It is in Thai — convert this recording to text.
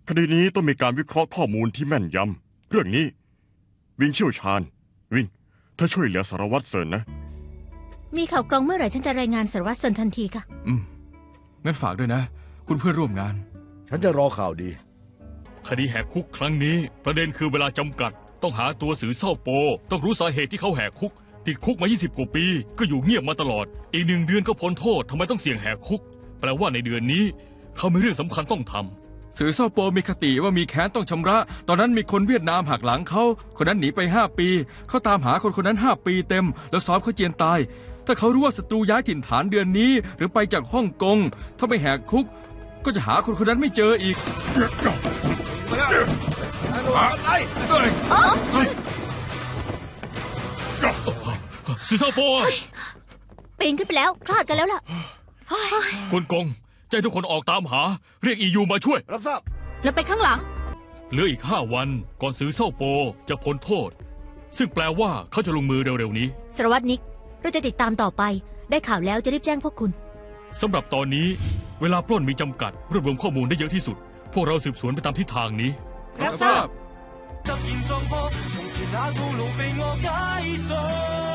คดีนี้ต้องมีการวิเคราะห์ข้อมูลที่แม่นยำเรื่องนี้วิงเชี่ยวชาญวิงเธอช่วยเหลือสารวัตรเซินนะมีข่าวกรองเมื่อไหร่ฉันจะรายงานสารวัตรเซินทันทีค่ะงั้นฝากด้วยนะคุณเพื่อนร่วมงานฉันจะรอข่าวดีคดีแหกคุกครั้งนี้ประเด็นคือเวลาจำกัดต้องหาตัวสือเศร้าโปต้องรู้สาเหตุที่เขาแหกคุกติดคุกมา20 กว่าปีก็อยู่เงียบมาตลอดอีก1 เดือนก็พ้นโทษทำไมต้องเสี่ยงแหกคุกแปลว่าในเดือนนี้เขามีเรื่องสำคัญต้องทำสือเศร้าโปมีคติว่ามีแค้นต้องชำระตอนนั้นมีคนเวียดนามหักหลังเขาคนนั้นหนีไป5 ปีเขาตามหาคนคนนั้น5 ปีเต็มแล้วซ้อมเขาเจียนตายถ้าเขารู้ว่าศัตรูย้ายถิ่นฐานเดือนนี้หรือไปจากฮ่องกงถ้าไม่แหกคุกก็จะหาคนคนนั้นไม่เจออีกสือเศร้าโปปีนขึ้นไปแล้วคลาดกันแล้วล่ะกวนกงใจทุกคนออกตามหาเรียกEUมาช่วยรับทราบแล้วไปข้างหลังเหลืออีก5 วันก่อนสือเศร้าโปจะพ้นโทษซึ่งแปลว่าเขาจะลงมือเร็วๆนี้สารวัตรนิกเราจะติดตามต่อไปได้ข่าวแล้วจะรีบแจ้งพวกคุณสำหรับตอนนี้เวลาปล้นมีจำกัดรวบรวมข้อมูลได้เยอะที่สุดพวกเราสืบสวนไปตามทิศทางนี้รับทราบ